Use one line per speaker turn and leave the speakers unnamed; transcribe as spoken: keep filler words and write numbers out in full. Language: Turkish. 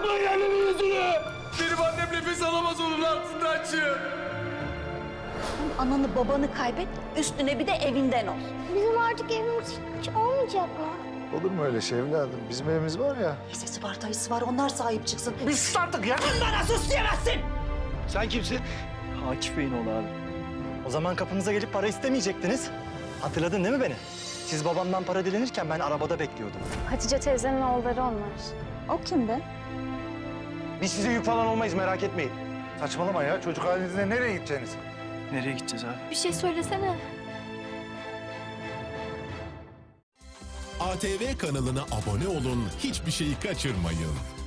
Bakmayın elini yüzünü!
Benim annem nefes alamaz onun altından çık.
Ananı babanı kaybet, üstüne bir de evinden ol.
Bizim artık evimiz hiç olmayacak mı?
Olur mu öyle şey evladım? Bizim evimiz var ya.
Lisesi var, dayısı var, onlar sahip çıksın.
Biz sus artık ya!
Bana sus diyemezsin!
Sen kimsin?
Akif Bey'in oğlu abi. O zaman kapımıza gelip para istemeyecektiniz. Hatırladın değil mi beni? Siz babamdan para dilenirken ben arabada bekliyordum.
Hatice teyzenin oğulları onlar.
O kim be?
Biz size yük falan olmayız, merak etmeyin.
Saçmalama ya. Çocuk halinizde nereye gideceksiniz?
Nereye gideceğiz abi?
Bir şey söylesene.
A T V kanalına abone olun, hiçbir şeyi kaçırmayın.